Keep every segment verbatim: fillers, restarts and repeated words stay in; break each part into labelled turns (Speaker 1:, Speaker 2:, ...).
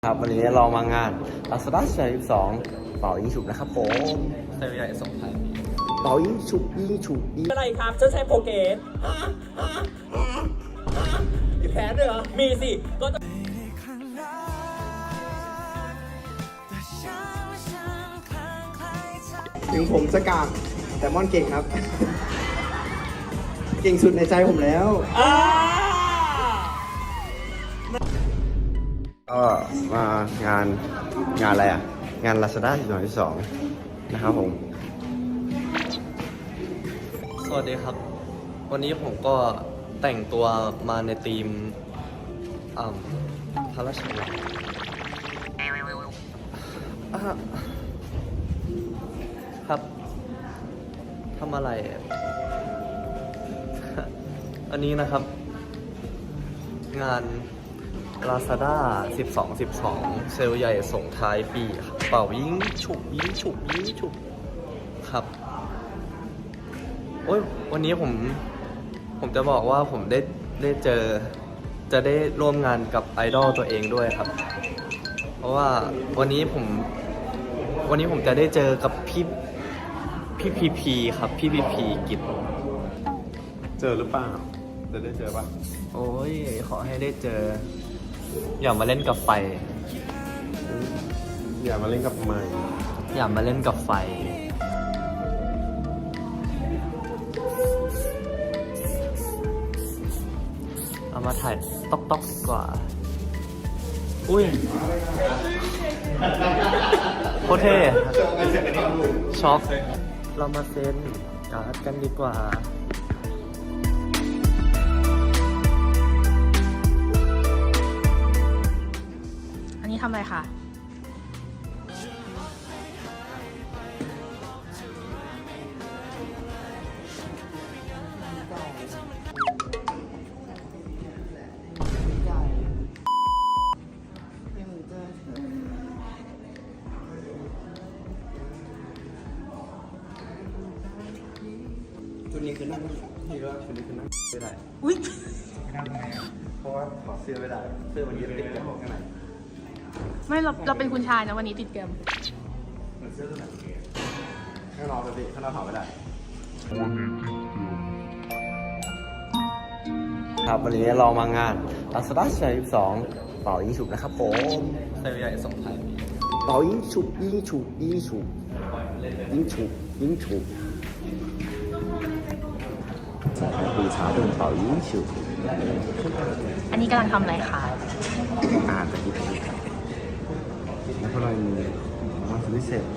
Speaker 1: ครับวันนี้เรามางาน Lazada สิบสองเป่ายิงฉุบนะครับผมเซลล์ใหญ่ส่งท้ายปีเป่ายิงฉุบยิงฉุบยิง
Speaker 2: อะไรครับเจ้าชายโปรเกสมีแผนด้วยเหรอมีสิก็จะ
Speaker 3: ถึงผมจะกากแต่ม่อนเก่งครับ เก่งสุดในใจผมแล้ว
Speaker 1: ก็มางานงานอะไรอ่ะงาน Lazada สิบสองนะครับผมสวัสดีครับวันนี้ผมก็แต่งตัวมาในธีมอ่าพระราชวังอ่ะครับทำอะไร อันนี้นะครับงาน Lazada สิบสอง สิบสอง เซลล์ใหญ่ส่งท้ายปีครับเป่ายิงฉุบยิงฉุบยิงฉุบครับโอ้ยวันนี้ผมผมจะบอกว่าผมได้ได้เจอจะได้ร่วมงานกับไอดอลตัวเองด้วยครับเพราะว่าวันนี้ผมวันนี้ผมจะได้เจอกับพี่พี่พีพีครับพี่พีพีกิจ
Speaker 4: เจอหรือเปล่าจะได้เจอป่ะ
Speaker 1: โอ้ยขอให้ได้เจออย่ามาเล่นกับไฟ
Speaker 4: อย่ามาเล่นกับไม้
Speaker 1: อย่ามาเล่นกับไฟเอามาถ่ายต๊อกต๊อกดีกว่าอุ้ยโคตรเท่ช็อกเรามาเซ็นการ์ดกันดีกว่า
Speaker 5: อันนี้ทำอะไรคะ
Speaker 1: ชุดนี้คือนั่งที่ว่าชุดนี้คือนั่งไม่ได้
Speaker 5: อุ้ย
Speaker 1: เพราะว่าถอดเสื้อไม่ได้เสื้อมันยึดติดกับข้างใน
Speaker 5: ไม่เราเราเป็นคุณชายนะวันนี้ติดเกม
Speaker 1: เหมือนเสื้อตัวไหนข้างนอกเลยพี่ข้างนอกถอดไม่ได้ครับวันนี้เรามางาน Lazada สิบสองเป่ายิงฉุบนะครับผมเซลล์ใหญ่ส่งท้ายปีเป่ายิงฉุบยิงฉุบยิงฉุบยิงฉุบยิงฉุบ在绿茶洞保音秀
Speaker 5: อันนี้กำลังทำอะไรคะ
Speaker 1: อ่านไปที่ผิดแล้วก็เลยมีมาสวิเศษ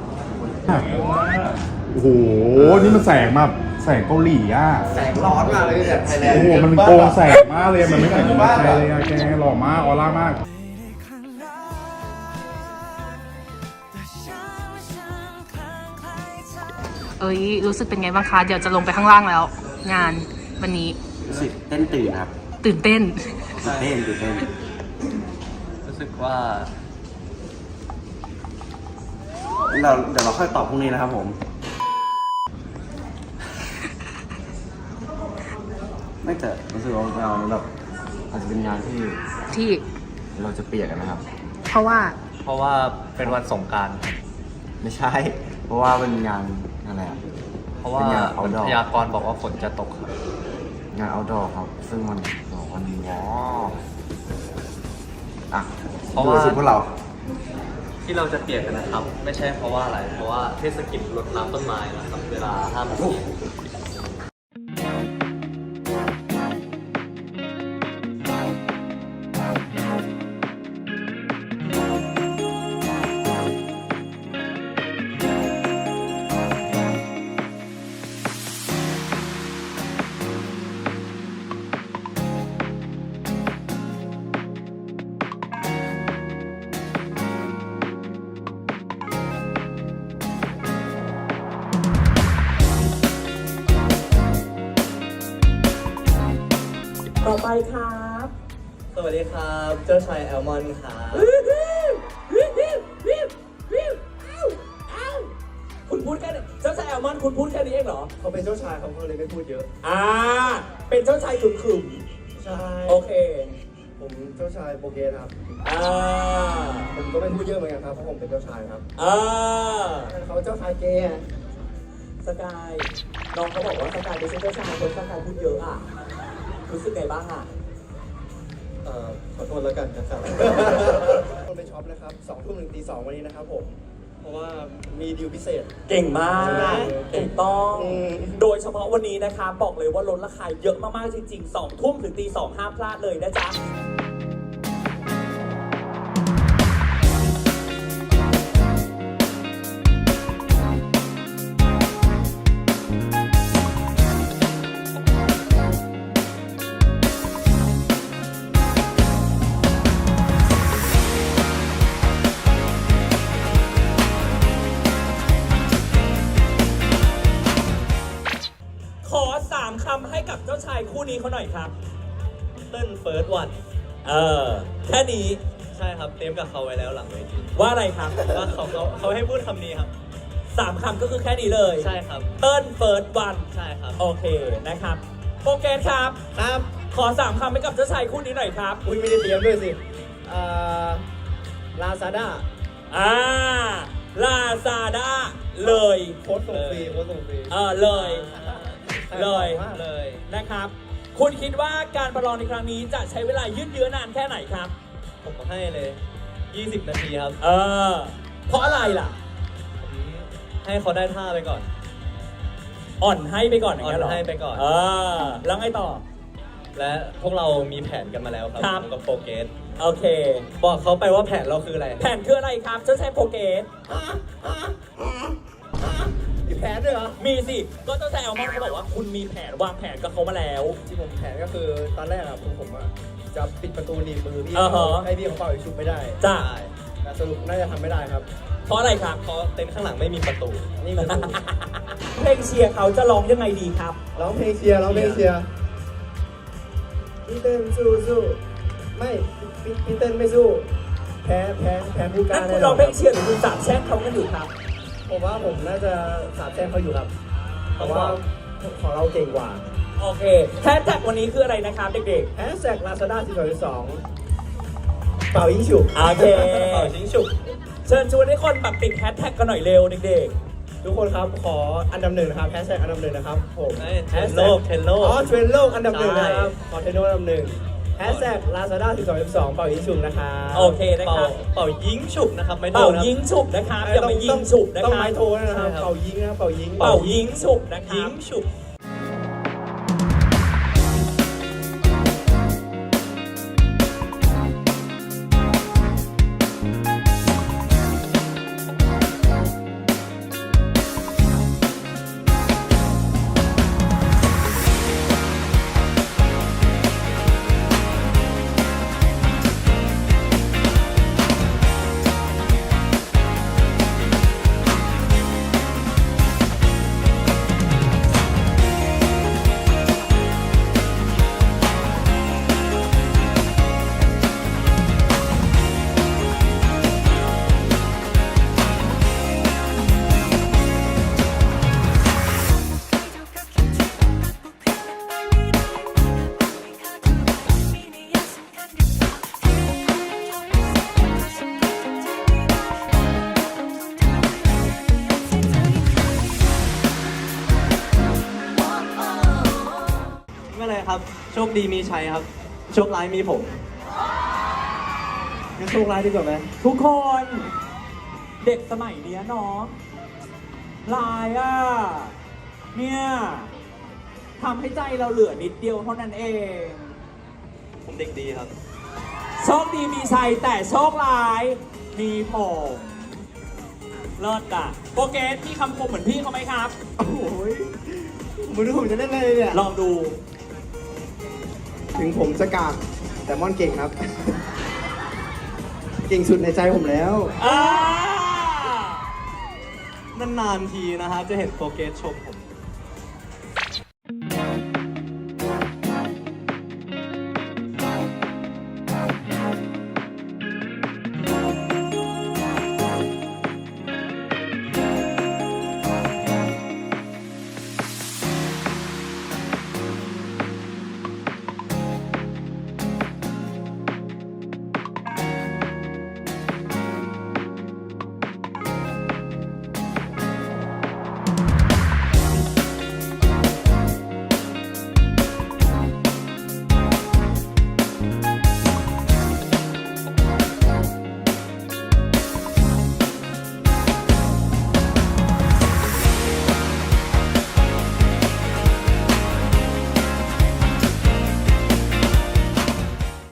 Speaker 6: โอ้โห นี่มันแสงแบบแสงเกาหลีอ่ะ
Speaker 1: แสงร้อนมากเลยเนี่ยไทยแลนด์
Speaker 6: โอ้โห มันโกงแสงมากเลย มันไม่เหมือนในไทยเลยอะแกหล่อมาก ออร่ามาก
Speaker 5: เอ้ยรู้สึกเป็นไงบ้างคะเดี๋ยวจะลงไปข้างล่างแล้ว งานวันนี้
Speaker 1: รู้สึกเต้นตื่นครับ
Speaker 5: ตื่นเต้น
Speaker 1: ตื่นเต้นตื่นเต้นรู้สึกว่าเราเดี๋ยวเราค่อยตอบพรุ่งนี้นะครับผมไม่แต่รู้สึกว่าเราแบบอาจจะเป็นงานที่
Speaker 5: ที่
Speaker 1: เราจะเปียกกันนะครับ
Speaker 5: เพราะว่า
Speaker 1: เพราะว่าเป็นวันสงกรานต์ไม่ใช่ เพราะว่าเป็นงานอะไรอ่ะเพราะว่าพยากรณ์บอกว่าฝนจะตกครับงานเอาดอครับซึ่งมันบอกวันนี้อ๋ออ่ะเพราะว่าพวกเราที่เราจะเปียกกันนะครับ ไม่ใช่เพราะว่าอะไร เพราะว่าเทศกิจรดน้ำต้นไม้นะครับเวลาห้าโมงเย็น
Speaker 2: ต่อไปครับ
Speaker 1: สวัสดีครับ เจ้าชายแอลมอนครับ
Speaker 2: คุณพูดแค่นี้เจ้าชายแอลมอนคุณพูดแค่นี้เองเหรอ
Speaker 1: เขาเป็นเจ้าชายเขาก็เลยไม่พูดเยอะ
Speaker 2: อ่าเป็นเจ้าชายขึมขึม
Speaker 1: ใช่
Speaker 2: โอเค
Speaker 1: ผมเจ้าชายโปรเกสครับ
Speaker 2: อ่า
Speaker 3: ไม่พูดเยอะเหมือนกันครับเพราะผมเป็นเจ้าชายครับ
Speaker 2: เออ
Speaker 3: เขาเจ้าชายเกย์อะ
Speaker 2: สกายน้องเขาบอกว่าสกายไม่ใช่เจ้าชายคนสกายพูดเยอะอ่ะรู้สึกไงบ้างอ่ะ
Speaker 3: เอ่อขอโทษแล้วกันนะครับคนไปช็อปนะครับสองทุ่มถึงตีสองวันนี้นะครับผม เพราะว่ามีดีลพิเศษ
Speaker 2: เก่งมาก
Speaker 3: ใช่ไหม
Speaker 2: ถูกต้อง
Speaker 3: อืม
Speaker 2: โดยเฉพาะวันนี้นะคะบอกเลยว่าลดราคาเยอะมากๆจริงๆสองทุ่มถึงตีสองห้ามพลาดเลยนะจ๊ะ ขอสามคำให้กับเจ้าชายคู่นี้เขาหน่อยครับ
Speaker 1: เต้นเฟิร์สวัน
Speaker 2: เออ แค่นี้
Speaker 1: ใช่ครับเตรียมกับเขาไว้แล้วหลังเวที
Speaker 2: ว่าอะไรครับ
Speaker 1: ว่าเขาเขาเขาให้พูดคำนี้ครับ
Speaker 2: สามคำก็คือแค่นี้เลย
Speaker 1: ใช่ครับ
Speaker 2: เติ้ลเฟิร์สวัน
Speaker 1: ใช่ครับ
Speaker 2: โอเคนะครับโปรแกรมครับ
Speaker 3: ครับ
Speaker 2: ขอสามคำให้กับเจ้าชายคู่นี้หน่อยครับ
Speaker 3: อุ้ยไม่ได้เตรียมด้วยสิเอ่อลาซาด้า
Speaker 2: อ่าลาซาด้าเลย
Speaker 3: โค้ดส่งฟรีโค้ดส่งฟรี
Speaker 2: เออเลย เลย
Speaker 1: เลย
Speaker 2: นะครับ คุณคิดว่าการประลองในครั้งนี้จะใช้เวลายืดเยื้อนานแค่ไหนครับ
Speaker 1: ผมให้เลยยี่สิบนาทีครับ
Speaker 2: เออ เพราะอะไรล่ะ
Speaker 1: ผมให้เขาได้ท่าไปก่อน
Speaker 2: อ่อนให้ไปก่อนอย่างเงี้ยเหรอ
Speaker 1: อ่อนให้ไปก่อน
Speaker 2: เออ แล้วไงต่อ
Speaker 1: และพวกเรามีแผนกันมาแล้วครับ
Speaker 2: ครับ
Speaker 1: ผมกับโปรเกส
Speaker 2: โอเค
Speaker 1: บอกเขาไปว่าแผนเราคืออะไร
Speaker 2: แผนคืออะไรครับเจ้าชายโปรเกส
Speaker 3: มีแผนด้วยเหรอ
Speaker 2: มีสิ ก็เจ้าชายแอลมอนเขาบอกว่าคุณมีแผนวางแผนกับเขามาแล้ว
Speaker 3: ที่ผมแผนก็คือตอนแรกอะผมผมอะจะปิดประตูหนีบมือพี่
Speaker 2: อ่าฮะ
Speaker 3: ให้พี่เขาเป่าอีกชุบไม่ได้
Speaker 2: จ้า
Speaker 3: แต่สรุปน่าจะทำไม่ได้ครับ
Speaker 2: เพราะอะไรครับ
Speaker 1: เพราะเต็นท์ข้างหลังไม่มีประตู
Speaker 3: นี่คือ
Speaker 2: เพลงเชียร์เขาจะร้องยังไงดีครับ
Speaker 3: ร้องเพลงเชียร์ร้องเพลงเชียร์พี่เต้นสู้สู้ไม่พี่พี่เต้นไม่สู้ แพ้แพ้แพ้ผู้กล้า
Speaker 2: นั่น
Speaker 3: แน่
Speaker 2: คุณ
Speaker 3: น
Speaker 2: ร้
Speaker 3: อ
Speaker 2: อง
Speaker 3: น
Speaker 2: เพลงเชียร์หรือคุณสาบแช่งเขากันอยู่ครับ
Speaker 3: ผมว่าผมน่าจะสาบแช่งเขาอยู่ครับเพราะว่าของเราเก่งกว่า
Speaker 2: โอเคแฮชแท็กวันนี้คืออะไรนะครับเด็ก
Speaker 3: แฮชแท็กลาซาด้าสี่สองสองเป่ายิงฉุบ
Speaker 2: ๆ โอเค
Speaker 1: เป่ายิงฉุบ
Speaker 2: เชิญชวนให้คนแบบติดแฮชแท็กกันหน่อยเร็วเด็ก
Speaker 3: ทุกคนครับขออันดับหนึ่งนะครับแฮชแท็กอันดับหนึ่งนะครับผม
Speaker 1: เอ้ยเทรนด์โลกเทรนด์โลก
Speaker 3: อ๋อเทรนด์โลกอันดับหนึ่ง
Speaker 1: ใช่
Speaker 3: นะครับขอเทรนด์โลกอันดับหนึ่งแฮชแท็กลาซาด้าสี่สองสองเป่ายิงฉุบนะครับ
Speaker 2: ๆ โอเคนะค
Speaker 1: เป่า
Speaker 2: รับ
Speaker 1: เป่ายิงฉุบนะครับไม่โด
Speaker 2: เป่าน
Speaker 1: ครับ
Speaker 2: ยิงฉุบนะครับอย่าไปยิงฉุบนะ
Speaker 3: ต้อง
Speaker 2: ครั
Speaker 3: ไม้
Speaker 2: บ
Speaker 3: โทนะครับ
Speaker 1: ใช่ครับ
Speaker 3: เป่ายิงนะครับเป่ายิง
Speaker 2: เป่ายิงฉุบนะค
Speaker 1: ยิ
Speaker 2: รับ
Speaker 1: งฉุบไม่เป็นไรครับ โชคดีมีชัยครับ โชคร้ายมีผม
Speaker 3: งั้นโชคร้ายดีกว่าไหม
Speaker 2: ทุกคน เด็กสมัยเนี้ยเนาะลายอ่ะ เนี่ยทำให้ใจเราเหลือนิดเดียวเท่านั้นเอง
Speaker 1: ผมเด็กดีครับ
Speaker 2: โชคดีมีชัยแต่โชคร้ายมีผมเลิศอ่ะโปรเกสมีคำคมเหมือนพี่เขาไหมครับ
Speaker 3: โอ้ยผมไม่รู้ผมจะเล่นอะไรเนี่ย
Speaker 2: ลองดู
Speaker 3: ถึงผมจะกากแต่ม่อนเก่งครับ เก่งสุดในใจผมแล้ว
Speaker 2: อ่า
Speaker 1: นานๆทีนะครับจะเห็นโปรเกสชมผม